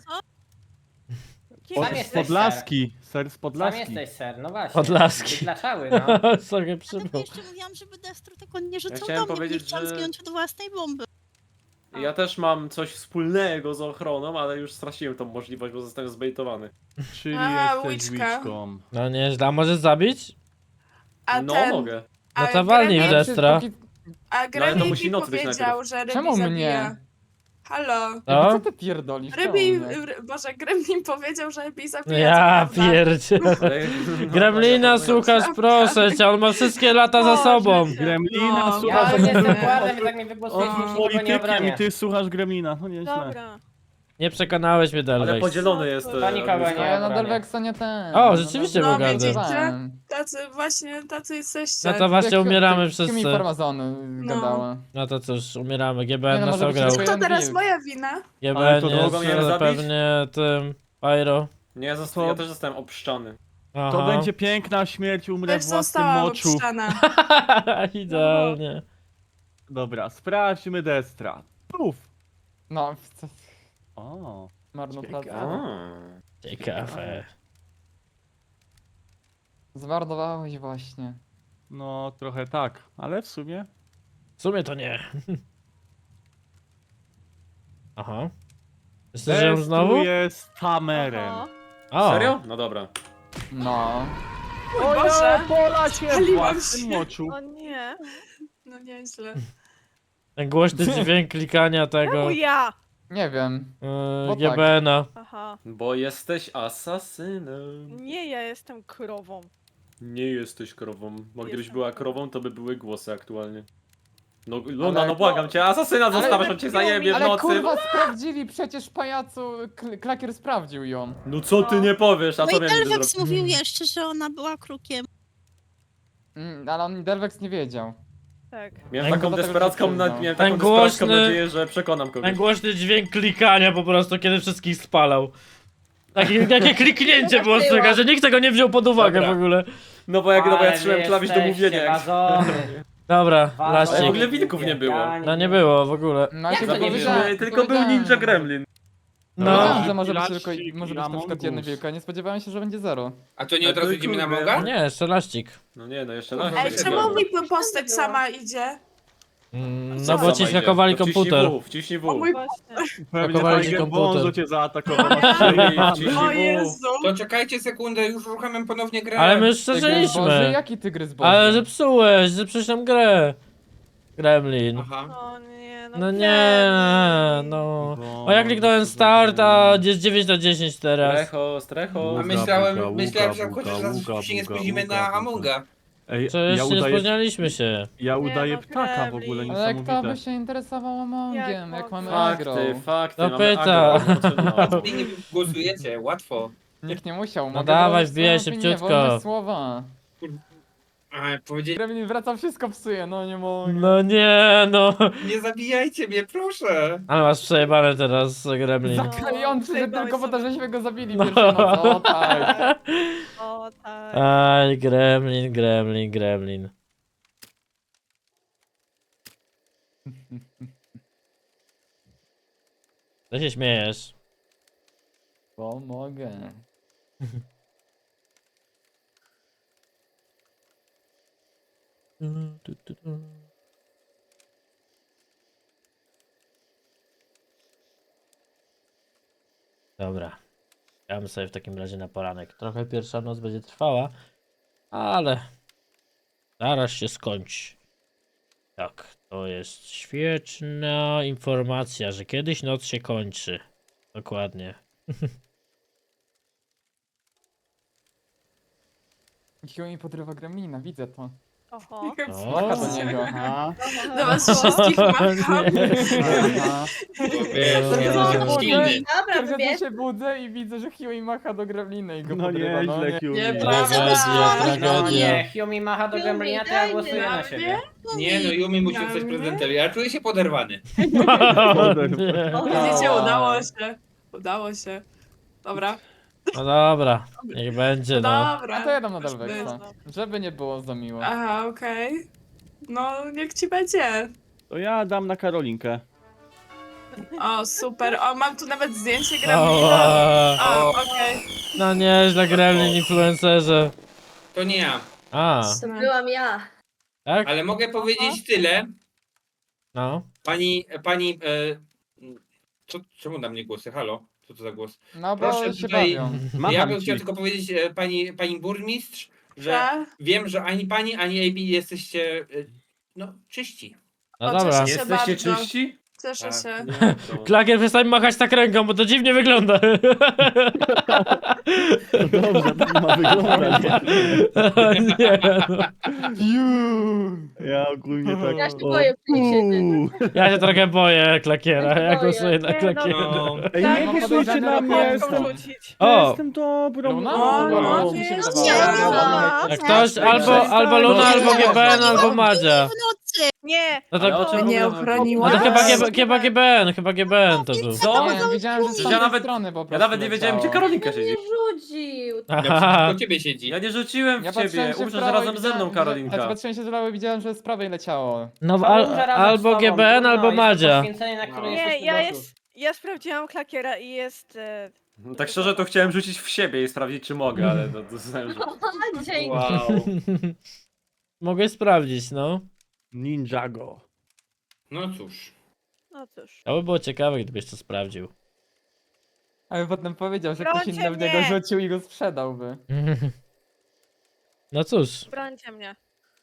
[SPEAKER 6] Pod,
[SPEAKER 9] Sam
[SPEAKER 6] z
[SPEAKER 9] jesteś
[SPEAKER 6] Podlaski. Ser z
[SPEAKER 9] Sam
[SPEAKER 6] Podlaski.
[SPEAKER 9] jesteś ser, no właśnie.
[SPEAKER 1] Podlaski.
[SPEAKER 9] Wydlaczały, no.
[SPEAKER 1] Sobie
[SPEAKER 8] Ja
[SPEAKER 1] przypomnę.
[SPEAKER 8] jeszcze mówiłam, żeby Destro tego nie rzucał
[SPEAKER 2] chciałem
[SPEAKER 8] do mnie, bo nie
[SPEAKER 2] powiedzieć,
[SPEAKER 8] chciałam
[SPEAKER 2] że-
[SPEAKER 8] zginąć od własnej bomby.
[SPEAKER 2] Ja też mam coś wspólnego z ochroną, ale już straciłem tą możliwość, bo zostałem zbejtowany.
[SPEAKER 6] Czyli
[SPEAKER 8] A,
[SPEAKER 6] jesteś
[SPEAKER 8] łyczka.
[SPEAKER 6] łyczką.
[SPEAKER 1] No nieźle, a możesz zabić?
[SPEAKER 8] A
[SPEAKER 2] No
[SPEAKER 8] ten,
[SPEAKER 2] mogę.
[SPEAKER 8] a
[SPEAKER 1] No to walnij w
[SPEAKER 8] Gremlin-
[SPEAKER 1] Destra.
[SPEAKER 5] Póki-
[SPEAKER 8] A
[SPEAKER 2] ale to
[SPEAKER 8] Gremlin
[SPEAKER 2] musi
[SPEAKER 8] mi
[SPEAKER 2] nocy być
[SPEAKER 8] powiedział,
[SPEAKER 2] najpierw.
[SPEAKER 8] że Rybi
[SPEAKER 5] Czemu
[SPEAKER 8] zabija.
[SPEAKER 5] mnie?
[SPEAKER 8] Halo.
[SPEAKER 5] Co
[SPEAKER 1] No?
[SPEAKER 5] ty pierdolisz?
[SPEAKER 8] Rybi,
[SPEAKER 5] Czemu mnie?
[SPEAKER 8] r- Boże, Gremlin powiedział, że Rybi zabija.
[SPEAKER 1] Ja
[SPEAKER 8] co prawda.
[SPEAKER 1] pierdzie.
[SPEAKER 2] Ale-
[SPEAKER 1] Gremlina, słuchasz, proszę cię, on ma wszystkie lata za sobą.
[SPEAKER 6] Gremlina,
[SPEAKER 8] No.
[SPEAKER 9] Ja
[SPEAKER 6] słuchasz...
[SPEAKER 9] już jestem
[SPEAKER 8] Nie.
[SPEAKER 9] władem, więc jak mnie wygłosujesz,
[SPEAKER 8] O.
[SPEAKER 9] już nikogo nie
[SPEAKER 6] politykiem
[SPEAKER 9] obronię.
[SPEAKER 6] i ty słuchasz Gremlina. No nieźle.
[SPEAKER 4] Dobra.
[SPEAKER 1] Nie przekonałeś mnie,
[SPEAKER 2] Ale
[SPEAKER 1] Delvex.
[SPEAKER 2] podzielony jest... e,
[SPEAKER 9] To nikogo
[SPEAKER 2] Agnieszka.
[SPEAKER 5] A
[SPEAKER 9] nie.
[SPEAKER 5] ja na
[SPEAKER 9] obronię.
[SPEAKER 5] Delvexa nie ten.
[SPEAKER 1] O, rzeczywiście
[SPEAKER 8] No,
[SPEAKER 1] był gardy.
[SPEAKER 8] widzicie?
[SPEAKER 5] Żartowałem.
[SPEAKER 8] Tacy właśnie, tacy jesteście.
[SPEAKER 1] No to właśnie
[SPEAKER 5] Jak-
[SPEAKER 1] umieramy
[SPEAKER 5] jak-
[SPEAKER 1] wszyscy.
[SPEAKER 5] Jakimi farmazony gadała.
[SPEAKER 1] No to cóż, umieramy. G B
[SPEAKER 5] Nie
[SPEAKER 1] N
[SPEAKER 5] no,
[SPEAKER 1] nas
[SPEAKER 5] może być
[SPEAKER 1] ograł.
[SPEAKER 5] tylko
[SPEAKER 8] To teraz
[SPEAKER 5] Wilk.
[SPEAKER 8] moja wina.
[SPEAKER 1] G B
[SPEAKER 6] Ale
[SPEAKER 1] N
[SPEAKER 6] to
[SPEAKER 1] jest
[SPEAKER 2] mogą mnie zabić?
[SPEAKER 1] pewnie tym... Pyro.
[SPEAKER 2] Nie, ja, zosta- ja też zostałem obszczany.
[SPEAKER 6] To
[SPEAKER 1] Aha.
[SPEAKER 6] będzie piękna śmierć, umrę
[SPEAKER 8] Też
[SPEAKER 6] w własnym
[SPEAKER 8] zostałam
[SPEAKER 6] moczu.
[SPEAKER 8] obszczana.
[SPEAKER 1] Idealnie.
[SPEAKER 6] Dobra, sprawdźmy Destra. Puf!
[SPEAKER 5] No, co-
[SPEAKER 6] O,
[SPEAKER 5] marnotrawstwo.
[SPEAKER 2] A.
[SPEAKER 1] Ciekawe.
[SPEAKER 5] Zwardowałeś właśnie.
[SPEAKER 6] no trochę tak, ale w sumie...
[SPEAKER 1] W sumie to nie. Aha. Jeszcze żyją
[SPEAKER 6] Destru
[SPEAKER 1] znowu?
[SPEAKER 6] jest tamerem.
[SPEAKER 4] Aha.
[SPEAKER 1] O,
[SPEAKER 2] Serio? No dobra.
[SPEAKER 5] No.
[SPEAKER 6] O
[SPEAKER 8] Boże,
[SPEAKER 6] ja, pola się w
[SPEAKER 8] spaliłam
[SPEAKER 6] własnym
[SPEAKER 8] się.
[SPEAKER 6] moczu.
[SPEAKER 4] O nie.
[SPEAKER 8] No nieźle.
[SPEAKER 1] ten głośny dźwięk klikania tego
[SPEAKER 4] Czemu ja?
[SPEAKER 5] Nie wiem.
[SPEAKER 1] yy,
[SPEAKER 5] Bo
[SPEAKER 1] G
[SPEAKER 5] tak.
[SPEAKER 1] B N-a.
[SPEAKER 4] Aha.
[SPEAKER 2] Bo jesteś asasynem.
[SPEAKER 4] Nie, ja jestem krową.
[SPEAKER 2] Nie jesteś krową. Bo gdybyś
[SPEAKER 4] Jestem
[SPEAKER 2] była
[SPEAKER 4] krową.
[SPEAKER 2] krową, to by były głosy aktualnie. No Luna,
[SPEAKER 5] Ale-
[SPEAKER 2] no błagam cię, asasyna zostawiasz, on cię zajebie w
[SPEAKER 5] Ale
[SPEAKER 2] nocy.
[SPEAKER 5] kurwa sprawdzili przecież pajacu. Kl- Klakier sprawdził ją.
[SPEAKER 2] No co ty nie powiesz, a
[SPEAKER 8] No
[SPEAKER 2] co
[SPEAKER 8] i
[SPEAKER 2] miałem niby
[SPEAKER 8] Delvex
[SPEAKER 2] zrobić?
[SPEAKER 8] mówił jeszcze, że ona była krukiem.
[SPEAKER 5] Mm, ale on Delvex nie wiedział.
[SPEAKER 4] Tak.
[SPEAKER 2] Miałem
[SPEAKER 1] Ten-
[SPEAKER 2] taką
[SPEAKER 5] dlatego
[SPEAKER 2] desperacką,
[SPEAKER 5] się
[SPEAKER 2] na,
[SPEAKER 5] przyznał.
[SPEAKER 2] miałem
[SPEAKER 1] Ten
[SPEAKER 2] taką desperacką
[SPEAKER 1] głośny-
[SPEAKER 2] nadzieję, że przekonam
[SPEAKER 1] Ten
[SPEAKER 2] kogoś.
[SPEAKER 1] głośny dźwięk klikania po prostu, kiedy wszystkich spalał. Takie, takie kliknięcie było słychać, że nikt tego nie wziął pod uwagę
[SPEAKER 2] Dobra.
[SPEAKER 1] w ogóle.
[SPEAKER 2] No bo jak, no bo ja
[SPEAKER 9] Ale
[SPEAKER 2] trzymałem
[SPEAKER 9] wy
[SPEAKER 2] klawisz do
[SPEAKER 9] jesteście
[SPEAKER 2] mówienia. Jak...
[SPEAKER 9] wazony.
[SPEAKER 1] Dobra,
[SPEAKER 9] Wazony.
[SPEAKER 2] Ale w
[SPEAKER 1] laścik.
[SPEAKER 2] ogóle wilków nie było.
[SPEAKER 1] No nie było w ogóle.
[SPEAKER 5] No
[SPEAKER 9] Jak
[SPEAKER 5] się
[SPEAKER 9] to nie
[SPEAKER 5] powiedziałem,
[SPEAKER 2] Zapomnieliśmy, tylko był
[SPEAKER 5] powiedziałem,
[SPEAKER 2] Ninja
[SPEAKER 5] że-
[SPEAKER 2] Gremlin.
[SPEAKER 1] No.
[SPEAKER 5] Powiedziałem, że może być
[SPEAKER 6] Laścik
[SPEAKER 5] tylko,
[SPEAKER 6] i
[SPEAKER 5] może być na przykład jeden
[SPEAKER 6] Among Us.
[SPEAKER 5] wilk, a nie spodziewałem się, że będzie zero.
[SPEAKER 7] A to nie od razu idziemy na
[SPEAKER 2] Kurde.
[SPEAKER 7] Moga?
[SPEAKER 1] Nie, jeszcze laścik.
[SPEAKER 2] No nie, no jeszcze
[SPEAKER 5] Ej,
[SPEAKER 2] raz.
[SPEAKER 8] Ej, czemu mi postać sama idzie?
[SPEAKER 1] Mm,
[SPEAKER 8] Co
[SPEAKER 1] No bo
[SPEAKER 2] Co
[SPEAKER 1] ci
[SPEAKER 2] wejdzie?
[SPEAKER 1] skakowali
[SPEAKER 2] To wciśnij
[SPEAKER 1] komputer.
[SPEAKER 2] W, wciśnij W.
[SPEAKER 8] O mój
[SPEAKER 4] Właśnie.
[SPEAKER 6] Pewnie
[SPEAKER 1] Pakowali ci
[SPEAKER 6] fajnie
[SPEAKER 1] komputer.
[SPEAKER 6] Bonzo cię zaatakował. masz
[SPEAKER 2] Wciśnij,
[SPEAKER 6] przejebane.
[SPEAKER 2] wciśnij
[SPEAKER 8] O
[SPEAKER 2] W.
[SPEAKER 8] Jezu.
[SPEAKER 7] To czekajcie sekundę, już uruchamiam ponownie grę.
[SPEAKER 1] Ale my już
[SPEAKER 5] Tygrys Boży?
[SPEAKER 1] przeżyliśmy.
[SPEAKER 5] Jaki tygrys Boży?
[SPEAKER 1] Ale zepsułeś, zepsułeś nam grę. Gremlin.
[SPEAKER 7] Aha.
[SPEAKER 4] O nie, no,
[SPEAKER 1] No
[SPEAKER 4] nie.
[SPEAKER 1] nie, no.
[SPEAKER 6] Bo-
[SPEAKER 1] O ja kliknąłem start, a jest dziewięć na dziesięć teraz.
[SPEAKER 2] Strecho, strecho.
[SPEAKER 7] A
[SPEAKER 6] Uga,
[SPEAKER 7] myślałem,
[SPEAKER 6] buga,
[SPEAKER 7] myślałem, że
[SPEAKER 6] buga,
[SPEAKER 7] chociaż
[SPEAKER 6] buga,
[SPEAKER 7] raz się nie
[SPEAKER 6] buga,
[SPEAKER 7] spóźnimy
[SPEAKER 6] buga,
[SPEAKER 7] na
[SPEAKER 6] buga.
[SPEAKER 7] Amonga.
[SPEAKER 6] Ej,
[SPEAKER 1] Przecież
[SPEAKER 6] ja
[SPEAKER 1] nie
[SPEAKER 6] udaję,
[SPEAKER 1] spóźnialiśmy się.
[SPEAKER 6] ja
[SPEAKER 4] Nie,
[SPEAKER 6] udaję
[SPEAKER 4] no,
[SPEAKER 6] ptaka w
[SPEAKER 4] Gremlin.
[SPEAKER 6] ogóle,
[SPEAKER 5] Ale kto by
[SPEAKER 6] niesamowite.
[SPEAKER 5] się interesował Amongiem, jak,
[SPEAKER 4] Jak
[SPEAKER 5] mamy
[SPEAKER 4] mogę?
[SPEAKER 5] agro?
[SPEAKER 2] Fakty, fakty.
[SPEAKER 1] No
[SPEAKER 2] mamy
[SPEAKER 1] pyta.
[SPEAKER 2] agro, no.
[SPEAKER 7] Wy nie głosujecie, łatwo.
[SPEAKER 5] Nikt nie musiał,
[SPEAKER 1] No
[SPEAKER 5] mogę
[SPEAKER 1] dawaj,
[SPEAKER 5] wyrazić
[SPEAKER 1] wbijaj
[SPEAKER 5] swoją
[SPEAKER 1] szybciutko.
[SPEAKER 5] opinię, wolność słowa.
[SPEAKER 7] A, powiedzieli,
[SPEAKER 5] Gremlin wraca, wszystko psuje, no nie mogę.
[SPEAKER 1] No nie, no.
[SPEAKER 7] nie zabijajcie mnie, proszę.
[SPEAKER 1] Ale masz przejebane teraz, Gremlin.
[SPEAKER 5] Zaklejący, że
[SPEAKER 4] przejebałeś
[SPEAKER 5] tylko po to,
[SPEAKER 4] sobie.
[SPEAKER 5] żeśmy go zabili
[SPEAKER 1] No.
[SPEAKER 5] pierwszej nocy, o tak.
[SPEAKER 4] O tak.
[SPEAKER 1] Aj, Gremlin, Gremlin, Gremlin. Co się śmiejesz?
[SPEAKER 5] Pomogę.
[SPEAKER 1] Dobra. Damy sobie w takim razie na poranek. Trochę pierwsza noc będzie trwała, ale zaraz się skończy. Tak, to jest świetna informacja, że kiedyś noc się kończy. Dokładnie.
[SPEAKER 5] Huey podrywa Gremlina, widzę to.
[SPEAKER 4] Oho.
[SPEAKER 5] Macha do niego.
[SPEAKER 6] Aha,
[SPEAKER 8] Do was wszystkich macham.
[SPEAKER 6] aha.
[SPEAKER 7] To wiesz,
[SPEAKER 1] No,
[SPEAKER 7] ja
[SPEAKER 1] no,
[SPEAKER 7] jestem
[SPEAKER 1] no,
[SPEAKER 7] silny.
[SPEAKER 3] Dobra,
[SPEAKER 5] Kiedy
[SPEAKER 3] wybierz.
[SPEAKER 5] się budzę i widzę, że Huey macha do Gremlina i go
[SPEAKER 6] No
[SPEAKER 5] podrywa, no
[SPEAKER 6] nieźle,
[SPEAKER 5] nie.
[SPEAKER 6] Hugh.
[SPEAKER 8] Nieprawda.
[SPEAKER 1] Tragedia,
[SPEAKER 9] No
[SPEAKER 1] tragedia.
[SPEAKER 9] nie, Humi macha do Gremlina, to ja
[SPEAKER 3] Dajmy
[SPEAKER 9] głosuję na
[SPEAKER 8] na
[SPEAKER 9] siebie.
[SPEAKER 7] Nie no, Yumi musi zostać prezydentem. Ja czuję się poderwany.
[SPEAKER 1] Nie.
[SPEAKER 8] Widzicie, udało się. Udało się. Dobra.
[SPEAKER 1] No dobra, niech będzie no.
[SPEAKER 8] Dobra.
[SPEAKER 5] A to ja dam nadal
[SPEAKER 8] Już
[SPEAKER 5] Wexa. Żeby nie było za miło.
[SPEAKER 8] Aha, okej. No, niech ci będzie.
[SPEAKER 6] To ja dam na Karolinkę.
[SPEAKER 8] O, super. O, mam tu nawet zdjęcie Gremlina.
[SPEAKER 1] Ała.
[SPEAKER 8] O, okej.
[SPEAKER 1] No nieźle, Gremlin influencerze.
[SPEAKER 7] To nie ja.
[SPEAKER 1] A,
[SPEAKER 3] To byłam ja.
[SPEAKER 1] tak?
[SPEAKER 7] Ale mogę powiedzieć tyle.
[SPEAKER 1] No.
[SPEAKER 7] Pani, pani, e, co, czemu na mnie głosy? Halo? Co to za głos?
[SPEAKER 5] No bo
[SPEAKER 7] Proszę
[SPEAKER 5] się
[SPEAKER 7] tutaj-
[SPEAKER 5] bawią.
[SPEAKER 6] Macham
[SPEAKER 7] Ja bym
[SPEAKER 6] ci.
[SPEAKER 7] chciał tylko powiedzieć e, pani, pani burmistrz, że
[SPEAKER 8] Że?
[SPEAKER 7] wiem, że ani pani, ani A B jesteście, e, no, czyści.
[SPEAKER 1] No
[SPEAKER 8] O,
[SPEAKER 1] dobra.
[SPEAKER 8] cieszę się
[SPEAKER 2] Jesteście
[SPEAKER 8] bardzo.
[SPEAKER 2] czyści?
[SPEAKER 8] Cieszę
[SPEAKER 7] Tak.
[SPEAKER 8] się.
[SPEAKER 2] Nie, to...
[SPEAKER 1] Klakier, przestań machać tak ręką, bo to dziwnie wygląda.
[SPEAKER 6] No dobrze, tak ma wyglądać.
[SPEAKER 1] O nie, no.
[SPEAKER 6] Ja ogólnie tak...
[SPEAKER 3] Ja się
[SPEAKER 6] o,
[SPEAKER 3] boję przyniesienia.
[SPEAKER 6] uuu.
[SPEAKER 1] Ja się trochę boję Klakiera, ja
[SPEAKER 3] Boję.
[SPEAKER 1] głosuję na
[SPEAKER 4] Nie, no.
[SPEAKER 1] Klakiera.
[SPEAKER 7] No,
[SPEAKER 6] Ej,
[SPEAKER 5] Tak,
[SPEAKER 6] nie
[SPEAKER 5] mam
[SPEAKER 6] głosujcie
[SPEAKER 5] podejrzane
[SPEAKER 6] na mnie,
[SPEAKER 5] raport
[SPEAKER 6] jestem,
[SPEAKER 4] rzucić.
[SPEAKER 1] O,
[SPEAKER 6] jestem dobrą
[SPEAKER 5] Luna?
[SPEAKER 8] O,
[SPEAKER 5] No,
[SPEAKER 8] no,
[SPEAKER 5] mi się
[SPEAKER 8] nie,
[SPEAKER 5] wydawało.
[SPEAKER 8] nie.
[SPEAKER 1] jak ktoś albo,
[SPEAKER 6] Przestań.
[SPEAKER 1] albo Luna, albo G B N, albo Madzia.
[SPEAKER 4] Nie.
[SPEAKER 1] No
[SPEAKER 2] Ale o
[SPEAKER 1] to,
[SPEAKER 2] czym
[SPEAKER 8] Nie
[SPEAKER 2] mówimy?
[SPEAKER 1] no
[SPEAKER 8] ochroniła?
[SPEAKER 1] to chyba, G B, chyba G B N, chyba G B N to był.
[SPEAKER 2] Co?
[SPEAKER 5] Nie, widziałem, że z
[SPEAKER 2] Ja
[SPEAKER 5] tamtej
[SPEAKER 2] nawet-
[SPEAKER 5] strony po
[SPEAKER 2] Ja
[SPEAKER 5] prostu
[SPEAKER 2] nawet nie wiedziałem, gdzie
[SPEAKER 5] leciało.
[SPEAKER 2] Karolinka
[SPEAKER 3] Nie
[SPEAKER 2] siedzi.
[SPEAKER 3] rzucił.
[SPEAKER 7] ja
[SPEAKER 1] Aha.
[SPEAKER 7] przeciwko ciebie siedzi.
[SPEAKER 2] Ja nie rzuciłem
[SPEAKER 5] Ja
[SPEAKER 2] w
[SPEAKER 5] patrzyłem
[SPEAKER 2] ciebie,
[SPEAKER 5] się w
[SPEAKER 2] uczę, że
[SPEAKER 5] prawo i
[SPEAKER 2] razem ze
[SPEAKER 5] widziałem,
[SPEAKER 2] mną
[SPEAKER 5] że-
[SPEAKER 2] Karolinka.
[SPEAKER 5] Ja patrzyłem się z lewo i widziałem, że z prawej leciało.
[SPEAKER 1] No
[SPEAKER 9] To
[SPEAKER 1] al,
[SPEAKER 9] umrze razem z
[SPEAKER 1] albo
[SPEAKER 9] tobą,
[SPEAKER 1] G B N,
[SPEAKER 9] trudno,
[SPEAKER 1] albo
[SPEAKER 9] jest to
[SPEAKER 1] Madzia.
[SPEAKER 9] poświęcenie, na które
[SPEAKER 2] No.
[SPEAKER 9] jesteśmy
[SPEAKER 4] Nie, ja
[SPEAKER 9] gotów.
[SPEAKER 4] jest. Ja sprawdziłam klakiera i jest. E,
[SPEAKER 2] No, tak szczerze to chciałem rzucić w siebie i sprawdzić, czy mogę, ale to, to znałem, że...
[SPEAKER 3] A, dzięki.
[SPEAKER 7] Wow.
[SPEAKER 1] Mogę sprawdzić, no.
[SPEAKER 6] Ninjago.
[SPEAKER 7] No cóż.
[SPEAKER 4] no cóż.
[SPEAKER 1] To by było ciekawe, gdybyś to sprawdził.
[SPEAKER 5] Ale potem powiedział, że ktoś
[SPEAKER 4] Brońcie
[SPEAKER 5] inny w niego
[SPEAKER 4] mnie!
[SPEAKER 5] rzucił i go sprzedałby.
[SPEAKER 1] No cóż,
[SPEAKER 4] Brońcie mnie.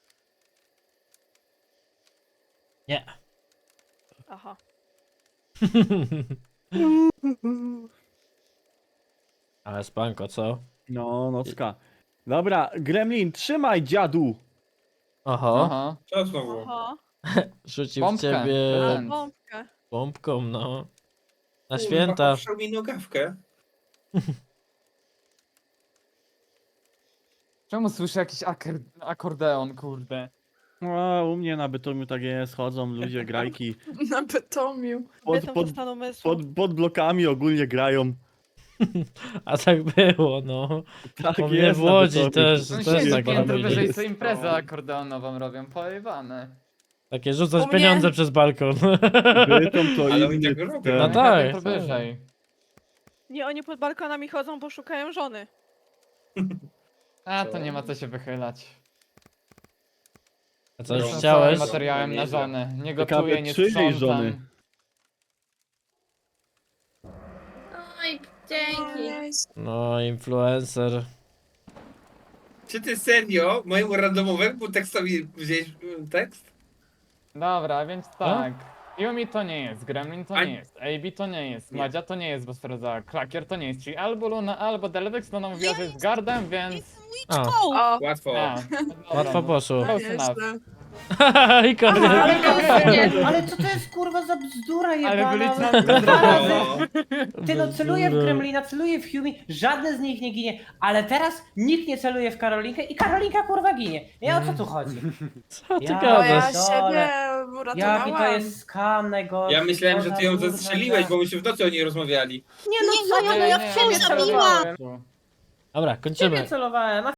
[SPEAKER 1] nie.
[SPEAKER 4] Aha.
[SPEAKER 1] Ale spanko, co?
[SPEAKER 6] No, nocka. Dobra, Gremlin, trzymaj dziadu.
[SPEAKER 1] Oho,
[SPEAKER 5] Aha.
[SPEAKER 7] Co znowu?
[SPEAKER 4] Oho.
[SPEAKER 1] rzucił w
[SPEAKER 5] Bombkę.
[SPEAKER 1] ciebie
[SPEAKER 5] Prezent.
[SPEAKER 4] Bombkę.
[SPEAKER 1] bombką, no. Na
[SPEAKER 7] Kurwa,
[SPEAKER 1] święta.
[SPEAKER 7] poprzał mi nogawkę.
[SPEAKER 5] Czemu słyszę jakiś akor akordeon, kurde?
[SPEAKER 6] O, u mnie na Bytomiu tak jest, chodzą ludzie, grajki.
[SPEAKER 8] Na Bytomiu.
[SPEAKER 6] Pod,
[SPEAKER 4] Bytom
[SPEAKER 6] pod,
[SPEAKER 4] to stan umysłu.
[SPEAKER 6] pod, pod blokami ogólnie grają.
[SPEAKER 1] A tak było, no.
[SPEAKER 6] Tak
[SPEAKER 1] U mnie
[SPEAKER 6] jest
[SPEAKER 1] w
[SPEAKER 6] na
[SPEAKER 1] Łodzi
[SPEAKER 6] Bytomiu.
[SPEAKER 1] też,
[SPEAKER 5] No
[SPEAKER 1] też
[SPEAKER 5] siedzi
[SPEAKER 1] tak
[SPEAKER 5] piętro
[SPEAKER 1] robili.
[SPEAKER 5] wyżej,
[SPEAKER 6] jest.
[SPEAKER 5] co imprezę akordeonową robią, pojebane.
[SPEAKER 1] Takie rzucać
[SPEAKER 8] U mnie-
[SPEAKER 1] pieniądze przez balkon.
[SPEAKER 6] Bytom to
[SPEAKER 7] Ale oni
[SPEAKER 6] inny
[SPEAKER 7] tak robią.
[SPEAKER 6] ten.
[SPEAKER 1] No tak,
[SPEAKER 5] Piętro
[SPEAKER 1] tak.
[SPEAKER 5] wyżej.
[SPEAKER 4] Nie, oni pod balkonami chodzą, bo szukają żony.
[SPEAKER 5] A, to nie ma co się wychylać.
[SPEAKER 1] A co, już
[SPEAKER 7] No,
[SPEAKER 1] chciałeś?
[SPEAKER 7] sorry,
[SPEAKER 5] materiałem na
[SPEAKER 7] Nieźle.
[SPEAKER 5] żonę. Nie
[SPEAKER 6] Ciekawe,
[SPEAKER 5] gotuję, nie
[SPEAKER 6] czyjej
[SPEAKER 5] sprzątam.
[SPEAKER 6] żony?
[SPEAKER 3] Oj, dzięki.
[SPEAKER 1] No, influencer.
[SPEAKER 7] Czy ty serio mojemu randomowemu tekstowi wziąłeś y, tekst?
[SPEAKER 5] Dobra, więc tak. Yumi to nie jest, Gremlin to
[SPEAKER 7] A-
[SPEAKER 5] nie jest, A B to nie jest,
[SPEAKER 7] Nie.
[SPEAKER 5] Madzia to nie jest, bo stwierdzała, Klakier to nie jest, czyli albo Luna, albo Delvex, Luna mówiła, że jest Guardem, więc...
[SPEAKER 1] A,
[SPEAKER 8] O,
[SPEAKER 7] Łatwo.
[SPEAKER 5] A, dobra,
[SPEAKER 1] łatwo
[SPEAKER 5] no.
[SPEAKER 1] poszło.
[SPEAKER 5] Close enough.
[SPEAKER 8] nieźle.
[SPEAKER 1] I koniec.
[SPEAKER 9] Ale, to
[SPEAKER 3] Nie.
[SPEAKER 9] jest, ale co to jest kurwa za bzdura
[SPEAKER 5] Ale
[SPEAKER 9] jebana?
[SPEAKER 5] glica-
[SPEAKER 9] Dwa razy.
[SPEAKER 7] No.
[SPEAKER 9] Ty no celuje w
[SPEAKER 1] Bzdura.
[SPEAKER 9] Gremlina, celuje w Humi, żadne z nich nie ginie, ale teraz nikt nie celuje w Karolinkę i Karolinka kurwa ginie. Nie, o co tu chodzi?
[SPEAKER 1] Co ty
[SPEAKER 9] Ja-
[SPEAKER 8] Bo ja
[SPEAKER 1] gadasz?
[SPEAKER 8] siebie
[SPEAKER 9] Jaki to
[SPEAKER 8] uratowałam.
[SPEAKER 9] jest skam najgorszy.
[SPEAKER 7] Ja myślałem, że ty ją
[SPEAKER 9] kurwa,
[SPEAKER 7] zastrzeliłeś,
[SPEAKER 9] gra.
[SPEAKER 7] bo myśmy w nocy o niej rozmawiali.
[SPEAKER 9] Nie no co,
[SPEAKER 5] Nie,
[SPEAKER 9] no ja
[SPEAKER 5] nie,
[SPEAKER 9] w ciebie
[SPEAKER 5] nie,
[SPEAKER 9] celowałem.
[SPEAKER 1] Dobra,
[SPEAKER 9] W ciebie
[SPEAKER 1] kończymy.
[SPEAKER 9] celowałem, a